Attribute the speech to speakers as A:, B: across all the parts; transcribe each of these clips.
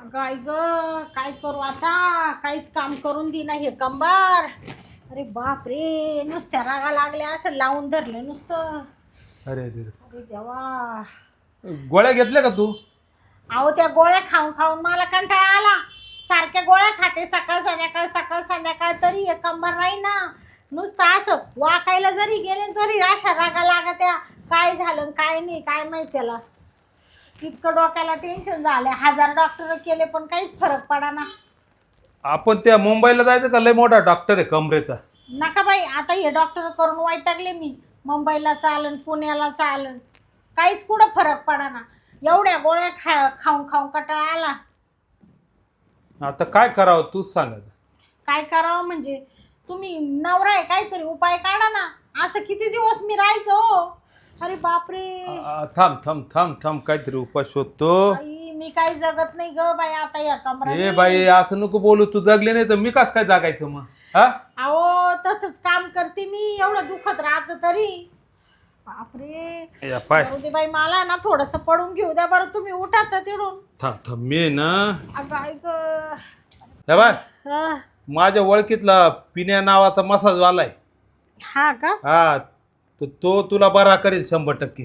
A: गाय ग, काय करू आता? काहीच काम करून दे ना हे कंबार. अरे बाप रे, नुसत्या रागा लागल्या, असं लावून धरलं नुसतं.
B: अरे अरे
A: अरे देवा.
B: गोळ्या घेतल्या का तू?
A: अहो त्या गोळ्या खाऊन खाऊन मला कंटाळा आला. सारख्या गोळ्या खाते सकाळ संध्याकाळ तरी हे कंबार नाही ना. नुसतं असं वाकायला जरी गेले तरी अशा रागा लागत्या. काय झालं काय नाही काय माहिती त्याला. इतकं डोक्याला टेन्शन झालं. 1000 डॉक्टर केले पण काहीच फरक पडा ना.
B: आपण त्या मुंबईला जायचं का? लय मोठा डॉक्टर आहे कमरेचा.
A: नका बाई, आता हे डॉक्टर करून वैतागले मी. मुंबईला चालन, पुण्याला चालन, काहीच कुठं फरक पडा ना. एवढ्या गोळ्या खाऊन खाऊन कंटाळा आला.
B: आता काय करावं तूच सांग.
A: काय करावं म्हणजे? तुम्ही नवरा आहे, काहीतरी उपाय काढा ना. असं किती दिवस मी राहायचं हो? अरे बापरे.
B: थांब थांब थांब थांब, काहीतरी उपाय शोधतो.
A: बाई, मी काही जगत नाही ग बाई आता या
B: ए
A: कमरा.
B: बाई, असं नको बोलू. तू जगले नाही तर मी कस काय जागायचं मग? हा,
A: अहो तसंच काम करते मी, एवढं दुखत राहत तरी. बापरे.
B: या पाय.
A: जाऊ दे बाई, मला ना थोडस पडून घेऊ द्या बरं. तुम्ही उठा तर तिडून.
B: थांब थांब, मी ना
A: अगं ऐक.
B: या बाय,
A: हा.
B: माझ्या ओळखीतला पिण्या नावाचा मसाज वालाय.
A: हा का?
B: हा, तो तुला बरा करेल 100%.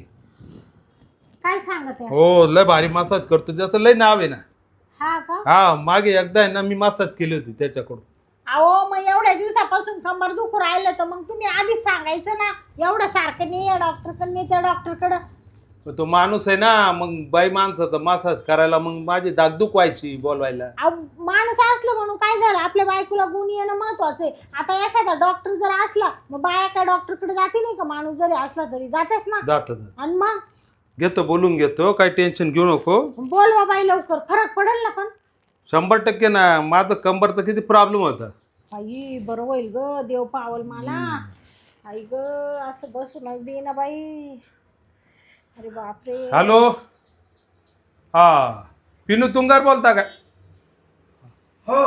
A: काय सांगत आहे?
B: हो, लय भारी मसाज करतो. त्याचं लय नाव आहे ना.
A: हा का?
B: हा, मागे एकदा आहे ना मी मसाज केली होती त्याच्याकडून.
A: अहो मग एवढ्या दिवसापासून कंबर दुखू राहिलं तर मग तुम्ही आधीच सांगायचं ना. एवढं सारखं नाही या डॉक्टरकडे नाही त्या डॉक्टरकडं.
B: तो माणूस आहे ना, मग बाई माणसाचा मसाज करायला मग माझी दागदुख व्हायची बोलवायला.
A: अहो माणूस असलं म्हणून काय झालं? आपल्या बायकोला गुण येणं महत्वाचं आहे. आता एखादा डॉक्टर जर असला मग बाया काय डॉक्टरकडे जाते नाही का? माणूस जरी असला तरी जातेच ना.
B: जात
A: आणि मग
B: घेतो, बोलून घेतो, काही टेन्शन घेऊ नको.
A: बोलवा बाई लवकर, फरक पडेल ना. पण
B: 100% ना. माझं कंबरचा किती प्रॉब्लेम होता.
A: आई बरं होईल ग, देव पावल मला. आई ग, असं बसून दे ना बाई. अरे बापरे.
B: हॅलो, हा पिनू तुंगार बोलता का?
C: हो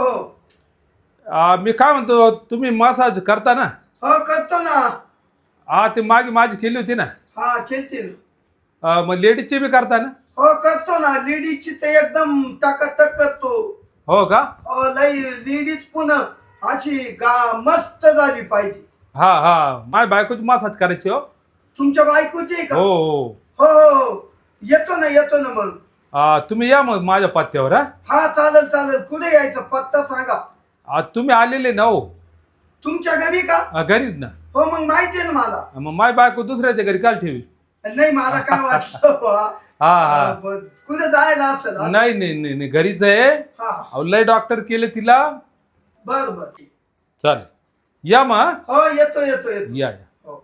C: हो
B: मी काय म्हणतो, तुम्ही मसाज करता ना?
C: हो करतो ना.
B: हा, ते मागे माझी केली होती ना.
C: हा खेळते ना.
B: मग लेडीजची बी करता ना?
C: हो करतो ना. लेडीजची तर एकदम टकाटक करतो.
B: हो का?
C: लई लेडीज पुन्हा अशी मस्त झाली पाहिजे.
B: हा हा, माझ्या बायकोची मसाज करायची. हो
C: तुमच्या बायकोची आहे का?
B: हो हो.
C: हो हो येतो ना मग.
B: तुम्ही या मग माझ्या पत्त्यावर. हा,
C: हा चालेल चालेल. कुठे यायचं पत्ता सांगा.
B: तुम्ही आलेले ना? हो,
C: तुमच्या घरी का?
B: घरीच ना.
C: हो मग माहिती आहे ना मला.
B: मग माझी बायको दुसऱ्याच्या घरी काल ठेवी?
C: नाही मला काय वाटलं बुवा.
B: हा हा,
C: कुठे जायला असेल असं.
B: नाही नाही नाही नाही, घरीच आहे.
C: हा
B: अहो, लय डॉक्टर केले तिला.
C: बरं बरं ठीक.
B: चालेल, या मग.
C: हो येतो
B: या.
C: हो.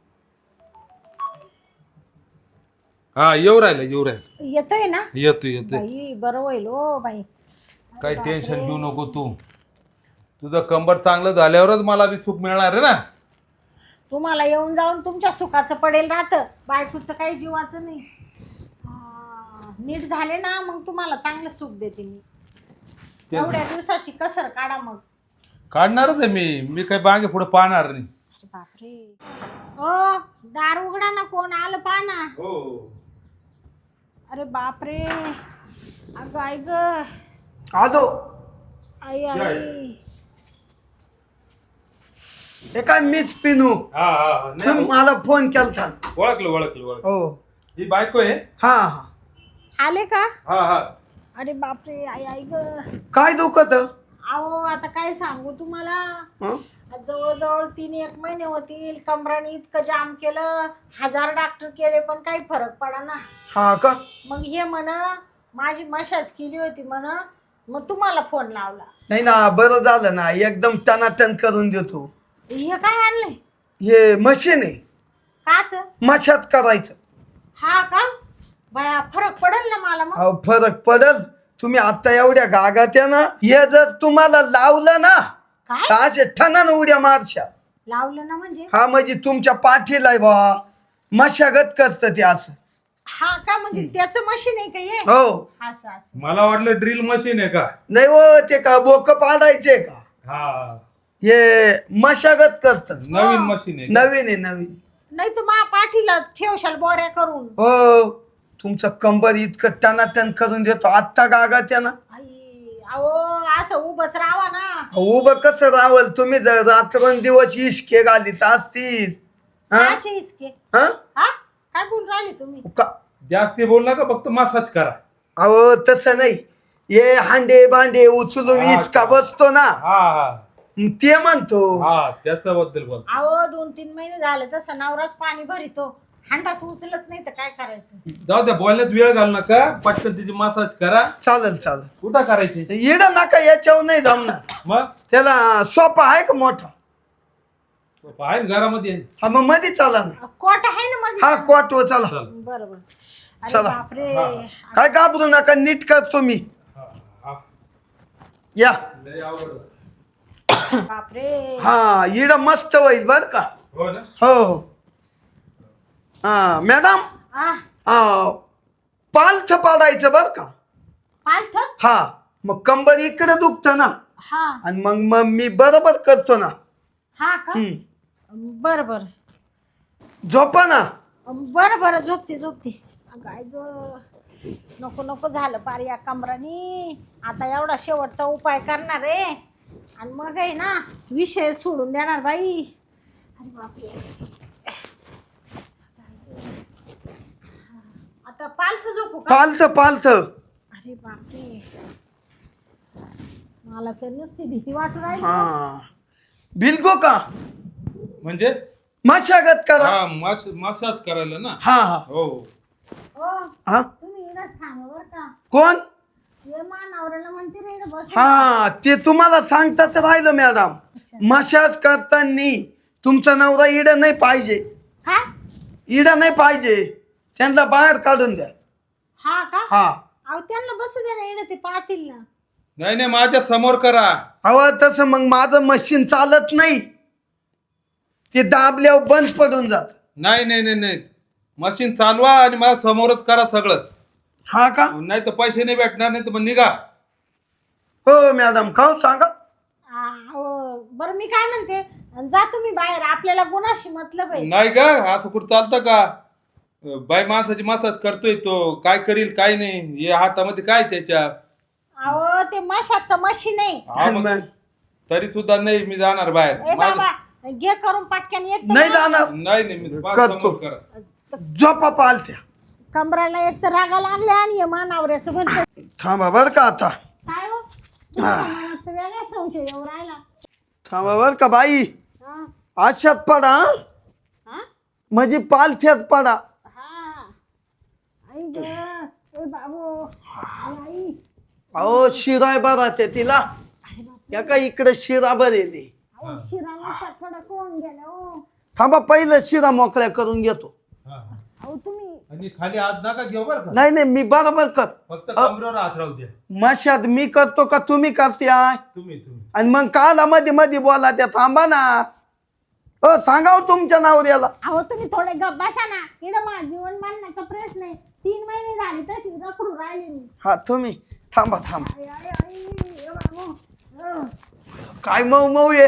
B: हा, येऊ राहिलं.
A: येतोय ना?
B: येतोय.
A: बाई बरं होईल हो बाई.
B: काही टेन्शन घेऊ नको तू. तुझं कंबर चांगलं झाल्यावरच मला बी सुख मिळणार आहे ना.
A: तुम्हाला येऊन जाऊन तुमच्या सुखाचं पडेल राहतं, बायकोचं काही जीवाचं नाही. नीट झाले ना मग तुम्हाला चांगलं सुख देते मी. एवढ्या दिवसाची कसर काढा मग.
B: काढणारच आहे मी काही मागे पुढे पाहणार नाही.
A: बापरे. ओ दार उघडा ना, कोण आलं पहा ना.
B: हो.
A: अरे बापरे. अगं आई ग.
C: आलो.
A: आई आई.
C: हे काय मीच पिनू.
B: हा हा,
C: तुम्ही मला फोन केलता.
B: ओळखलं.
C: हो
B: ही बायको आहे.
C: हा हा.
A: आले का?
B: हा.
A: अरे बापरे. आई आई ग.
C: काय दुखत?
A: अहो आता काय सांगू तुम्हाला. जवळजवळ 3-1 महिने होतील. कमराने इतकं जाम केलं, 1000 डॉक्टर केले पण काही फरक पडा ना.
C: हा का?
A: मग हे माझी मसाज केली होती मग तुम्हाला फोन लावला.
C: नाही ना, बरं झालं ना. एकदम टनाटन करून देतो.
A: हे काय आणलंय?
C: हे मशीन आहे.
A: काच?
C: मशात करायचं.
A: हा का? बाया फरक पडेल ना मला मग?
C: अहो फरक पडल. तुम्ही आता एवढ्या गागात्या ना, हे जर तुम्हाला लावलं ना
A: काय
C: तर असे ठणान उड्या मारशा.
A: लावलं ना म्हणजे?
C: हा म्हणजे तुमच्या पाठीला आहे बा. मशागत करत ते असं.
A: हा का? म्हणजे त्याचं मशीन आहे का हे?
C: हो.
A: असं
B: मला वाटलं ड्रिल मशीन आहे का?
C: नाही हो, ते का बोक पाडायचे का?
B: हा,
C: हे मशागत करत.
B: नवीन मशीन आहे.
C: नवीन.
A: नाही तर मा पाठीला ठेवशाल बोऱ्या करून.
C: हो, तुमचं कंबर इतकं टनाटन करून देतो. आत्ता गागात्या ना.
A: आई अहो असं उभंच राहा ना.
C: उभं कसं रावल तुम्ही जर रात्रंदिवस इश्के घालीत असतील हा?
A: काचे इसके
C: हा?
A: हा काय बोल राहिले तुम्ही?
B: जास्ती बोल नका, फक्त मसाज करा.
C: अहो तसं नाही, हे हांडे भांडे उचलून
B: हा,
C: इसका बसतो ना,
B: हा हा
C: ते म्हणतो.
B: हा त्याच्याबद्दल बोल.
A: अहो 2-3 महिने झाले तसं नवराच पाणी भरितो, हांडाच उचलत नाही तर काय करायचं?
B: जाऊ द्या, बोलण्यात वेळ घालू नका, पटकन तिची मसाज करा.
C: चालेल चालेल.
B: कुठं करायची
C: येड नका, याच्यावर नाही जमणार.
B: मग?
C: त्याला सोपा आहे का मोठा?
B: आहे ना घरामध्ये.
C: हा मग मध्ये चला ना.
A: कोट आहे ना मध्ये?
C: हा कोट चला.
B: चल.
A: बरोबर. अरे
C: चला.
A: बापरे.
C: काय घाबरू नका, नीट करतो मी.
B: हा, हा.
C: या.
B: लय अवघड आहे.
A: बापरे.
C: हा इड मस्त होईल बर का.
B: हो ना.
C: हो. हा मॅडम,
A: आ
C: पालथ पाडायचं बर का.
A: पालथ?
C: हा मग कंबर इकडे दुखत ना,
A: हा
C: आणि मग मग मी बरोबर करतो ना.
A: हा का? बर बर
C: झोपा ना.
A: बर बर झोपते झोपते. काय ग, नको नको झालं पार या कमरानी. आता एवढा शेवटचा उपाय करणार आहे आणि मग आहे ना विषय सोडून देणार बाई. अरे बापरे. आता पालथ झोपू का?
C: पालथ पालथ.
A: अरे बापरे, मला तर नुसती भीती वाटू राहिली.
C: हा बिलगो का
B: म्हणजे
C: मशागत करा.
B: हा मसाज करायला ना.
C: हा हा
B: हो.
A: ओ
C: हा.
A: तुम्ही इकडंच थांबा बरं का.
C: कोण?
A: ये मानावराला म्हणते रे इकडं बसून.
C: हा ते तुम्हाला सांगताच राहिलं मॅडम. मशाज करताना तुमचा नवरा इड नाही पाहिजे,
A: हा
C: इड नाही पाहिजे, त्यांना बाहेर काढून द्या.
A: हा का?
C: हा
A: अहो त्यांना बसू दे ना, इकडे ते पाहतील ना.
B: नाही नाही, माझ्या समोर करा.
C: अहो तसं मग माझं मशीन चालत नाही, ते दाबल्यावर बंद पडून जात.
B: नाही नाही नाही नाही, मशीन चालवा आणि माझ्या समोरच करा सगळं.
C: हा का?
B: नाही तर पैसे नाही भेटणार, नाही तर मग निघा.
C: हो मॅडम, खाऊ सांगा.
A: हो बरं, मी काय म्हणते, जा तुम्ही बाहेर, आपल्याला गुणाशी मतलब आहे.
B: नाही का, असं कुठं चालतं का? बाई माणसाची मसाज करतोय तो, काय करील काय नाही, हे हातामध्ये काय त्याच्या.
A: अहो ते मशाचं मशीन आहे.
B: हा मग तरी सुद्धा नाही मी जाणार
A: ए
B: बाहेर.
A: बाबा घे करून पटक्यान एक तर
C: नाही
A: ना.
C: जाणार.
B: नाही नाही, मी
C: करतो.
B: समोर करा.
C: झोपा पालथ्या.
A: कमराला एक तर रागा लागले आणि हे मानावऱ्याचं म्हणत
C: थांबा बर का आता.
A: काय हो, मला तर वेगळा संशय येऊ राहिला.
C: थांबा बर का बाई.
A: हा
C: आशात पडा हं?
A: हा
C: म्हणजे पालथ्यात पडा.
A: हा. आई ग, ए बाबू, आई.
C: अहो शिराय बरा ते तिला.
A: अरे बाप,
C: या का इकडे शिरा बरेली.
A: अहो शिराला थोडा कोण गेला हो.
C: थांबा पहिलं शिरा मोकळ्या करून घेतो.
B: हा, हा.
A: अहो तुम्ही
B: आणि खाली हात नका घेऊ बरं का,
C: नाही नाही मी बरोबर कर.
B: फक्त कमरेवर हात राहू द्या.
C: मशात मी करतो का तुम्ही करते आहे?
B: तुम्ही तुम्ही
C: आणि मग काला मध्ये मध्ये बोला त्या. थांबा ना. हो सांगा हो तुमच्या नावऱ्याला.
A: अहो तुम्ही थोडे गप बसा ना. इकडं माझं जीवन मानण्याचा प्रश्न आहे. 3 महिने झाले तशी रखडू राहिली मी.
C: हा तुम्ही थांबा थांबा.
A: आई आई आई ए बाबू.
C: काय मऊ मऊ आहे,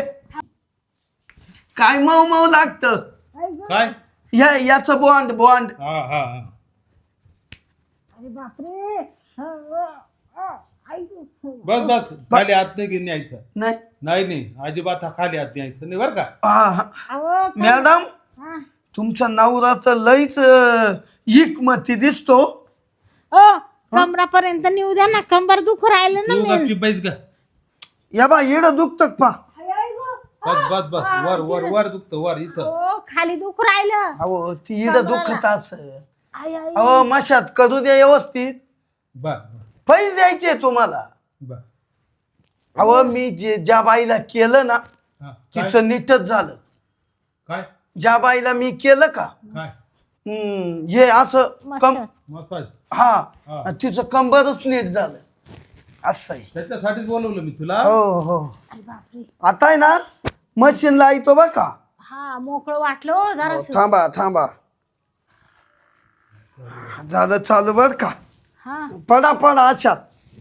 C: काय मऊ मऊ लागत.
A: आई ग.
B: काय.
C: याचं बॉन्ड बॉन्ड.
B: हा हा हा.
A: अरे बापरे. आई ग.
B: बस बस, खाली हात नाही घेऊन यायचं.
C: नाही
B: नाही नाही, अजिबात हा खाली हात न्यायचं नाही बरं का.
C: हा, हा.
A: अहो
C: मॅडम
A: हा.
C: तुमचा नवरा तर लईच इकमती दिसतो.
A: ओ कमरापर्यंत नेऊ द्या ना, कंबर दुखू राहिलं ना
B: तू
A: मी.
B: गपची बैस ग.
C: या बा येड दुखत पा.
A: आई आई ग.
B: बस बस बस, वर वर वर दुखतं वर इथं.
A: ओ खाली दुखू राहिलं.
C: अहो ती येड दुखत असं.
A: आई आई.
C: अहो मशात करू द्या व्यवस्थित.
B: बर
C: पैसे द्यायचे तुम्हाला.
B: बर.
C: अहो मी ज्या बाईला केलं ना
B: हा, काय
C: तिचं नीटच झालं.
B: काय
C: ज्या बाईला मी केलं का
B: काय
C: हे असं कम.
A: मस्त.
B: मसाज.
C: हा
B: हा.
C: आणि तिचं कंबरच नीट झालं. असं आहे.
B: त्याच्यासाठीच बोलवलं मी तुला.
C: हो हो.
A: अरे बापरे.
C: आता आहे ना मशीन लाईतो बा का.
A: हा मोकळं वाटलं हो जरा.
C: थांबा थांबा. झालं चालू बर का.
A: हा.
C: पडा पडा अशात.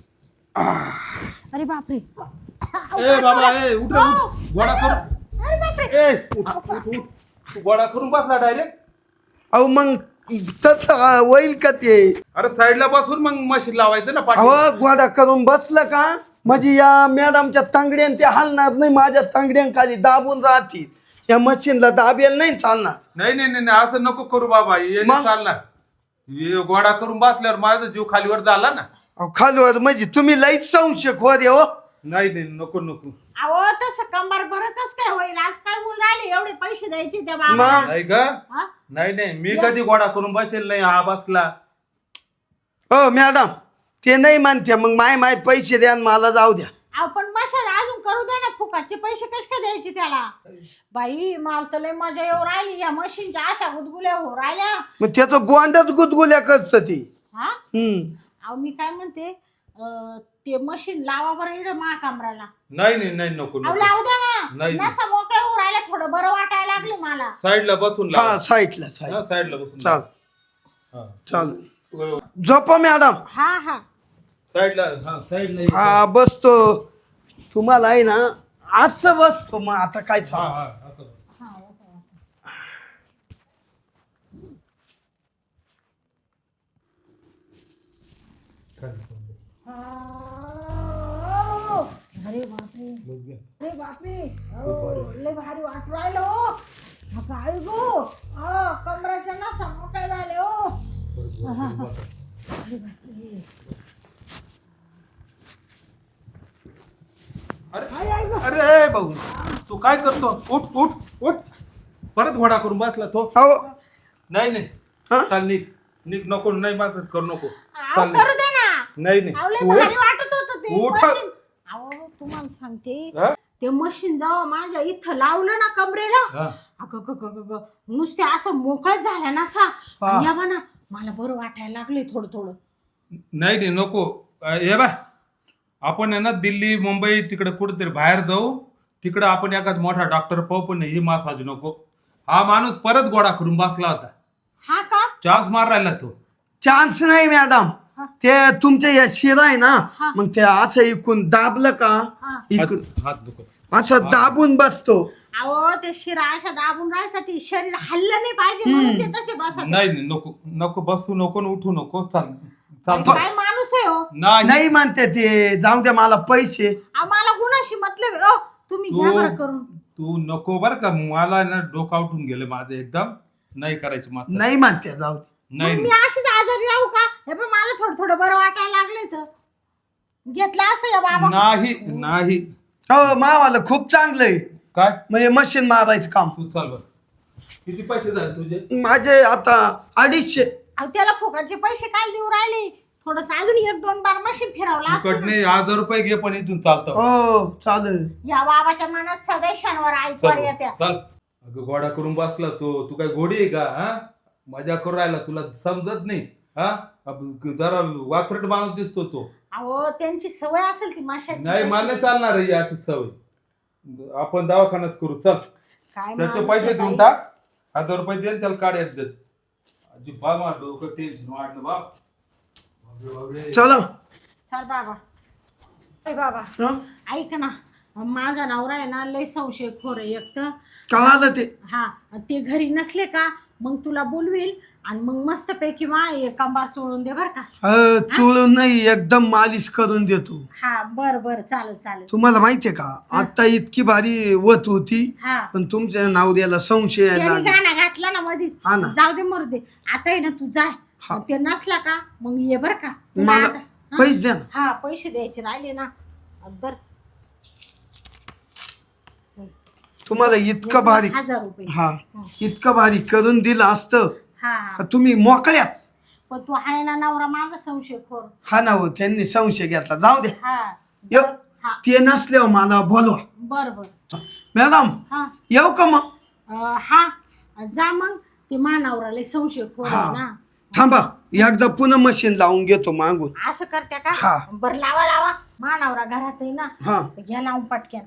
A: अरे बापरे.
B: ए बाबा, ए उठ रे, उठ. गोळा करून.
A: अरे बापरे.
B: ए उठ, उठ, उठ. तू गोळा करून बसला डायरेक्ट.
C: अहो मग तसं होईल का ते.
B: अरे साईडला बसून मग मशीन लावायचं ना पाठी.
C: अहो गोडा करून बसलं का म्हणजे या मॅडमच्या तांगड्यान ते हलणार नाही, माझ्या तांगड्यांखाली दाबून राहतील. या मशीनला दाबेल नाही चालणार.
B: नाही नाही नाही नाही, असं नको करू बाबा, हे नाही चालणार. हे गोडा करून बसल्यावर माझा जीव खालीवर झाला ना.
C: अहो, खालवर म्हणजे तुम्ही लईच संशय खोर आहे हो.
B: नाही नाही नको नको.
A: अहो तसं कंबर बरं कस काय होईल? आज काय बोल राहिले? एवढे पैसे द्यायचे त्या बाबा.
C: मग?
B: नाही का? नाही नाही, मी कधी गोडा करून बसेल नाही, हा बसला.
C: हो मॅडम, ते नाही म्हणते मग माय पैसे द्या आणि मला जाऊ द्या.
A: अहो पण मशाल अजून करू दे ना, फुकटचे पैसे कसे काय द्यायचे त्याला? बाई मला तर लय मजा येऊ राहिली या मशीनच्या, अशा गुदगुल्या हो राहिल्या.
C: मग त्याचं गोंडच गुदगुल्या करत ती.
A: हा अहो मी काय म्हणते, ते मशीन लावा बरं इकडे मा कमराला.
B: नाही नाही नाही नको
A: अहो
B: नको.
A: लावू द्या ना,
B: नाही.
A: नसा मोकळ्या होऊ राहिल्या, थोडं बरं वाटायला लागलं मला.
B: साईडला बसून
C: हा साईडला
B: साईडला बसून
C: चाल
B: हा.
C: चाल झोपा मॅडम.
A: हा हा
B: साईडला हा साईडला
C: हा बसतो. तुम्हाला आहे ना असं बसतो. मग आता काय
B: हा
C: सांग.
B: हा असं.
A: अरे बापरे, अरे बापरे, लय भारी वाट राहिलं हो. काय गो, कमराच्या नसा मोकळ्या झाले हो. अरे बापरे.
B: अरे अरे भाऊ, तू काय करतो? उठ उठ उठ. परत घोडा करून बसला तो.
C: अहो
B: नाही नाही
C: हा?
B: चाल निघ निघ, नको नाही माझं करू नको.
A: अहो, करू दे ना.
B: नाही नाही
A: अहो, लय
B: तू
A: भारी
B: उठ.
A: वाटत होतं ते
B: उठ.
A: मशीन. अहो तुम्हाला सांगते,
B: हा?
A: ते मशीन जेव्हा माझ्या इथं लावलं ना कमरेला,
B: हा.
A: अगं नुसते असं मोकळच झालं ना सा.
C: हा.
A: या बा ना, मला बरं वाटायला लागले थोडं थोडं.
B: नाही नाही नको. हे बा, आपण आहे ना दिल्ली मुंबई तिकडे कुठेतरी बाहेर जाऊ, तिकडे आपण एखाद मोठा डॉक्टर पाहू, पण ही मासाज नको. हा माणूस परत गोडा करून बसला होता,
A: हा का?
B: चान्स मार राहिला तो.
C: चान्स नाही मॅडम.
A: हा.
C: ते तुमच्या या शिरा आहे ना,
A: हा.
C: मग ते असं इकून दाबलं का,
A: हा.
C: इकून
B: हात दुखत.
C: असं दाबून बसतो.
A: अहो ते शिरा अशा दाबून राहायसाठी शरीर हल्लं नाही पाहिजे म्हणून ते तसे बसत.
B: नाही नाही नको नको, बसू नको न उठू नको. चाल चाल.
A: काय माणूस आहे हो.
B: नाही
C: नाही म्हणते ते, जाऊ द्या मला पैसे.
A: आम्हाला गुणाशी मतलब आहे. तुम्ही घ्या बरं करून.
B: तू नको बर का, मला ना डोकं उठून गेलं माझं एकदम. नाही करायची मात्र.
C: नाही म्हणते जाऊ दे.
B: नाही
A: मग मी अशीच आजारी राहू का? हे पण मला थोडं थोडं बरं वाटायला लागले तर घेतलं असतं या बाबा.
B: नाही नाही.
C: हो मावाला खूप चांगलं आहे,
B: काय
C: म्हणजे मशीन मारायचं काम.
B: तू चाल बर. किती पैसे झाले तुझे?
C: माझे आता 250.
A: अहो त्याला फुकटचे पैसे काय देऊ राहिले? थोडस अजून 1-2 बार मशीन फिरवला असतं ना.
B: कडने 1000 रुपये घे, पण इथून चालतं.
C: हो चालेल.
A: या बाबाच्या मनात सदैव शनिवार ऐकवार येत्या.
B: चल. अगं घोडा करून बसला तो. तू काय घोडी आहे का? हा, मजा करून राहिला, तुला समजत नाही. हा, जरा वात्रट माणूस दिसतो तो.
A: अहो त्यांची सवय असेल ती माशाची.
B: नाही मला चालणार आहे अशी सवय. आपण दवाखानाच करू. चल
A: काय
B: त्याचे
A: माणूस
B: पैसे
A: आहे
B: देऊन
A: बाई.
B: टाक. 1000 रुपये दे, त्याला काढ एकदाच. अजिबात मला डोकं टेन्शन वाढलं बाप. बापरे, बापरे.
C: चला.
A: चल बाबा. ए बाबा
C: हं?
A: ऐक ना, माझा नवरा आहे ना लय संशय खोर आहे एक तर.
C: कळालं ते.
A: हा, ते घरी नसले का मग तुला बोलवील आणि मग मस्त पैकी कंबार चोळून दे बर का.
C: चोळून नाही, एकदम मालिश करून देतो.
A: हा बर बर चालेल चालेल.
C: तुम्हाला माहितीये का, आता इतकी भारी वत होती,
A: हा
C: पण तुमच्या नावड्याला संशय यायला
A: त्यांनी
C: लागला.
A: गाणं घातला ना मधीच.
C: हा ना.
A: जाऊ दे मरू दे. आता आहे ना तू जाय.
C: हा.
A: ते नसला का मग ये बर का. तुला
C: मला
A: आता- हा?
C: पैसे द्या ना.
A: हा पैसे द्यायचे राहिले ना दर
C: तुम्हाला इतकं भारी,
A: 1000 रुपये.
C: हा इतकं भारी करून दिलं असतं
A: हा
C: का तुम्ही मोकळ्याच.
A: पण तू आहे ना नवरा माझा संशय खोर.
C: हा ना हो, त्यांनी संशय घेतला. जाऊ द्या.
A: हा
C: येऊ.
A: हा
C: ते नसल्यावर मला बोलवा.
A: बर बर.
C: मॅडम
A: हा
C: येऊ का मग?
A: हा जा मग. ते मानावराला संशय खोर
C: हा.
A: आहे ना.
C: थांबा, एकदा पुन्हा मशीन लावून घेतो मागून.
A: असं करत्या का?
C: हा.
A: बर लावा लावा. मानावरा घरात आहे ना,
C: हा
A: तर घ्या लावून पटक्यान.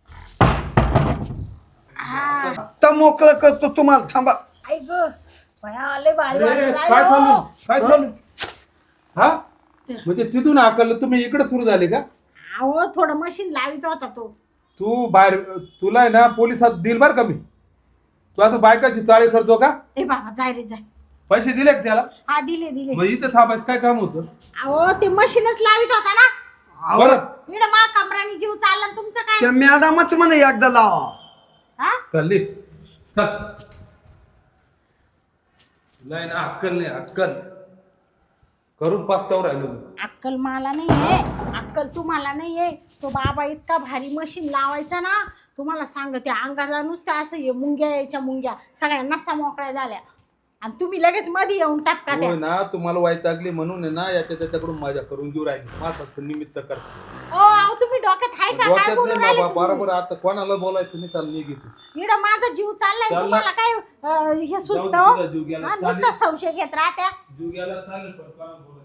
A: हा
C: आता मोकळं करतो तुम्हाला. थांबा.
A: ऐक भया लय भारी
B: अरे,
A: वाटून
B: काय
A: राहिलं
B: चालू
A: हो.
B: काय चालू? हा, म्हणजे तिथून आकल तुम्ही इकडे सुरू झाले का?
A: अहो थोडं मशीन लावित होता तो.
B: तू बाहेर, तुला आहे ना पोलिसात दिल बर का मी. तू असं बायकाची चाळी करतो का?
A: ए बाबा जाय रे जाय.
B: पैसे दिले का त्याला?
A: हा दिले दिले.
B: मग इथं थांबायचं काय काम होतं?
A: अहो ते मशीनच लावित होता ना.
B: परत
A: इकडं मा कमरानी जीव चालला आणि तुमचं काय
C: त्या मॅडमच म्हणे एकदा लावा.
A: हा
B: चालली चल. नाही ना अक्कल नाही अक्कल करून पास्तावर राहिलो मी.
A: अक्कल मला नाहीये, अक्कल तुम्हाला नाहीये. तो बाबा इतका भारी मशीन लावायचा ना, तुम्हाला सांगते अंगाला नुसतं असं ये मुंग्या यायच्या मुंग्या, सगळ्या नसा मोकळ्या झाल्या आणि तुम्ही लगेच मध्ये येऊन टापका त्या.
B: होय ना तुम्हाला वाईटागली म्हणून आहे ना याच्या त्याच्याकडून माझ्या करून घेऊ राहिली मासाचं निमित्त कर.
A: अहो तुम्ही डोक्यात आहे का काय
B: डोक्यात
A: बोलून
B: नाही
A: राहिले
B: बाबा
A: तुम्ही?
B: बरोबर आता कोणाला बोलायचं नाही चाल निघ इथून.
A: इकडं माझा जीव चाललाय
B: चालला.
A: तुम्हाला काय हे सुचत
B: जाऊ दे तुझा जीव गेला.
A: नुसता संशय घेत राहत्या.
B: जीव गेला चालेल पण कोणाला बोलायचं